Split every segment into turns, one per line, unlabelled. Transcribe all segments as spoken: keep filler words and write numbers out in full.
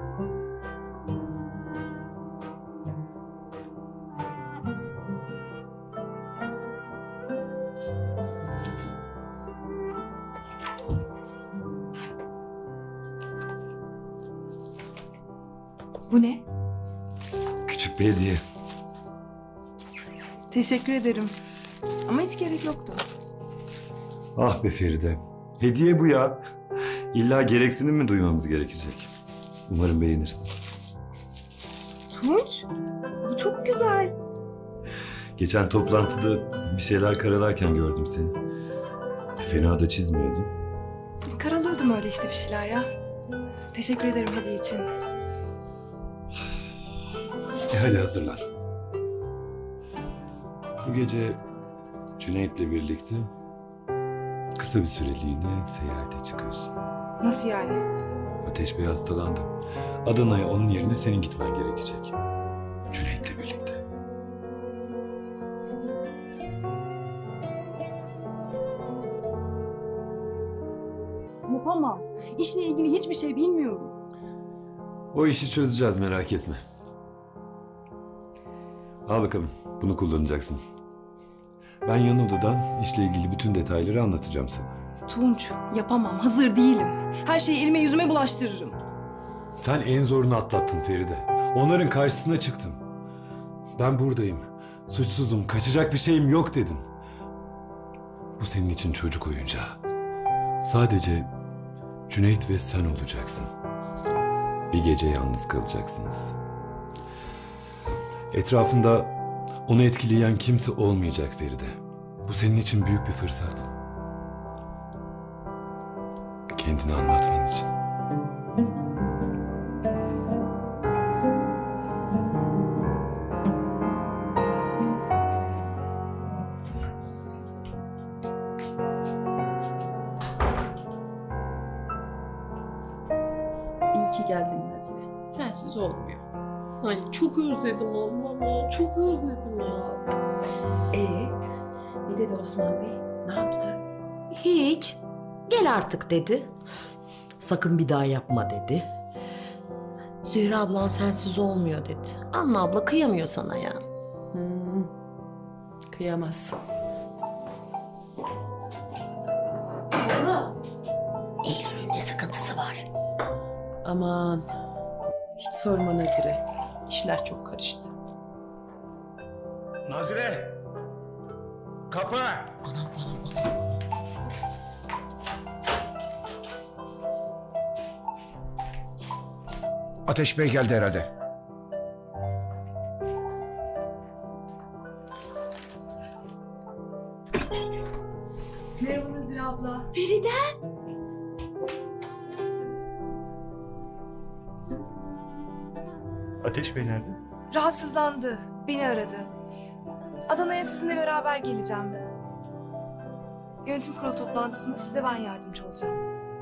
Bu ne?
Küçük bir hediye.
Teşekkür ederim. Ama hiç gerek yoktu.
Ah be Feride. Hediye bu ya. İlla gereksinim mi duymamız gerekecek? Umarım beğenirsin.
Tunç, bu çok güzel.
Geçen toplantıda bir şeyler karalarken gördüm seni. Fena da çizmiyordun.
Karalıyordum öyle işte bir şeyler ya. Teşekkür ederim hediye için.
E hadi hazırlan. Bu gece Cüneyt'le birlikte kısa bir süreliğine seyahate çıkıyorsun.
Nasıl yani?
Ateş Bey hastalandı. Adana'ya onun yerine senin gitmen gerekecek. Cüneyt'le birlikte.
Yapamam. İşle ilgili hiçbir şey bilmiyorum.
O işi çözeceğiz, merak etme. Al bakalım, bunu kullanacaksın. Ben yan odadan işle ilgili bütün detayları anlatacağım sana.
Tunç, yapamam. Hazır değilim. Her şeyi elime yüzüme bulaştırırım.
Sen en zorunu atlattın Feride. Onların karşısına çıktın. Ben buradayım. Suçsuzum, kaçacak bir şeyim yok dedin. Bu senin için çocuk oyuncağı. Sadece Cüneyt ve sen olacaksın. Bir gece yalnız kalacaksınız. Etrafında onu etkileyen kimse olmayacak Feride. Bu senin için büyük bir fırsat. Kendini anlatman için.
İyi ki geldin Nazire. Sensiz olmuyor. Ay çok özledim Allah'ım ya. Çok özledim ya.
Ee, ne dedi Osman Bey? Ne yaptı? Hiç. Gel artık dedi. Sakın bir daha yapma dedi. Zühre ablan sensiz olmuyor dedi. Anne abla kıyamıyor sana ya.
Hmm. Kıyamaz.
Abla. Eylül'ün ne sıkıntısı var?
Aman. Hiç sorma Nazire. İşler çok karıştı.
Nazire! Kapı!
Anam anam anam.
Ateş Bey geldi herhalde.
Merhaba Nazire abla.
Feride.
Ateş Bey nerede?
Rahatsızlandı. Beni aradı. Adana'ya sizinle beraber geleceğim. Yönetim kurulu toplantısında size ben yardımcı olacağım.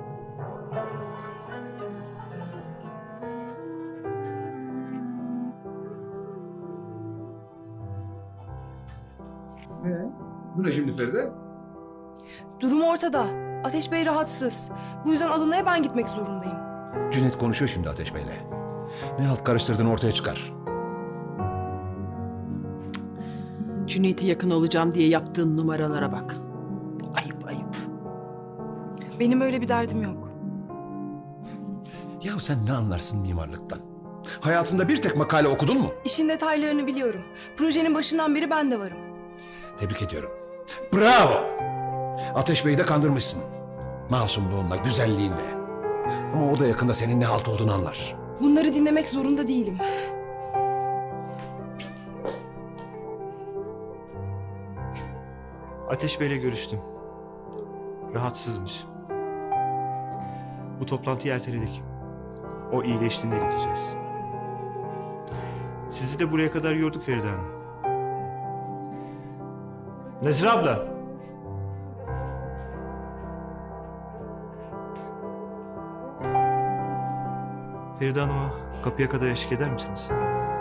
Bu ne şimdi Feride?
Durum ortada. Ateş Bey rahatsız. Bu yüzden Adana'ya ben gitmek zorundayım.
Cüneyt konuşuyor şimdi Ateş Bey'le. Ne halt karıştırdığını ortaya çıkar.
Cüneyt'e yakın olacağım diye yaptığın numaralara bak. Ayıp ayıp.
Benim öyle bir derdim yok.
Ya sen ne anlarsın mimarlıktan? Hayatında bir tek makale okudun mu?
İşin detaylarını biliyorum. Projenin başından beri ben de varım.
Tebrik ediyorum. Bravo! Ateş Bey'i de kandırmışsın. Masumluğunla, güzelliğinle. Ama o da yakında senin ne halt olduğunu anlar.
Bunları dinlemek zorunda değilim.
Ateş Bey'le görüştüm. Rahatsızmış. Bu toplantıyı erteledik. O iyileştiğinde gideceğiz. Sizi de buraya kadar yorduk Feride Hanım. Nazire abla. Feride Hanım'a kapıya kadar eşlik eder misiniz?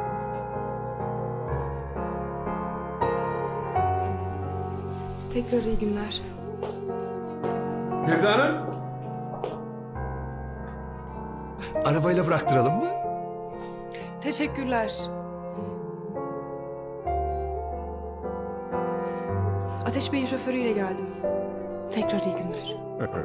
Tekrar iyi günler.
Feride Hanım! arabayla bıraktıralım mı?
Teşekkürler. Ateş Bey'in şoförüyle geldim. Tekrar iyi günler.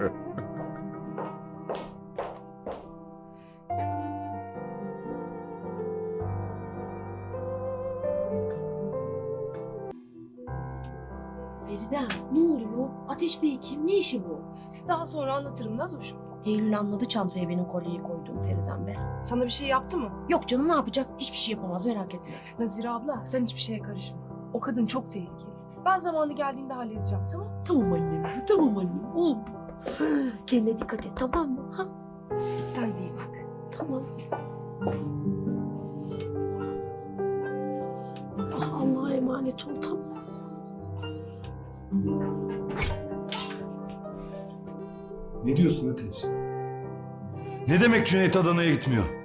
Feride ne oluyor? Ateş Bey kim? Ne işi bu?
Daha sonra anlatırım Nazoş.
Eylül anladı çantaya benim kolyeyi koyduğum Feriden be.
Sana bir şey yaptı mı?
Yok canım ne yapacak? Hiçbir şey yapamaz merak etme.
Nazire abla sen hiçbir şeye karışma. O kadın çok tehlikeli. Ben zamanı geldiğinde halledeceğim tamam?
Tamam annem, tamam annem. Oldu. Kendine dikkat et tamam mı? Ha?
Sen de iyi bak.
Tamam. Ah, Allah'a emanet ol tamam.
Ne diyorsun Ateş? Ne demek Cüneyt Adana'ya gitmiyor?